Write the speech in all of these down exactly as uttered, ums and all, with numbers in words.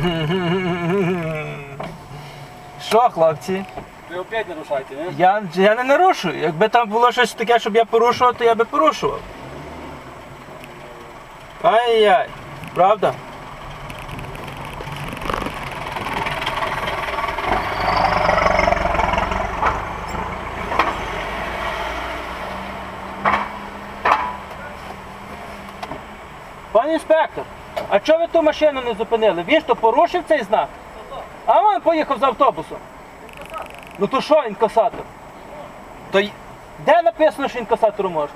Що, хлопці? Ви опять нарушаєте, не? Я, я не нарушую. Якби там було щось таке, щоб я порушував, то я би порушував. Ай-яй, правда? Пан інспектор, а чого ви ту машину не зупинили? Він ж то порушив цей знак? А він поїхав з автобусом. Ну то що інкасатор? То й- де написано, що інкасатору можна?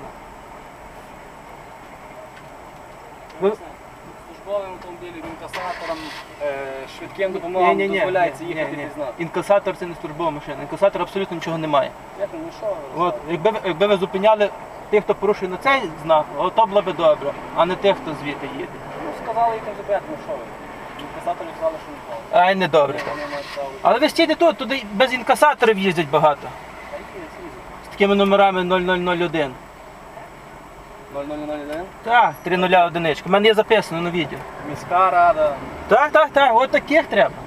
Ви- Службовим автомобілем, інкасатором, е, швидким допомогам дозволяється їхати під знак. Інкасатор це не службова машина. Інкасатор абсолютно нічого немає. Як, ну що ви? От, якби, ви- якби ви зупиняли тих, хто порушує на цей знак, от то було б добре, а не тих, хто звідти їде. Ну сказали їх не забрати, ну що ви? Інкасаторі сказали, що не правда. Ай, не добре. Вони мають право. Але ви стійте тут, туди без інкасаторів їздять багато. Та які не слізуть? З такими номерами нуль нуль нуль один. нуль нуль нуль один. Так, три нуля одиничка. У мене є записано на відео. Міська рада. Так, так, так, от таких треба.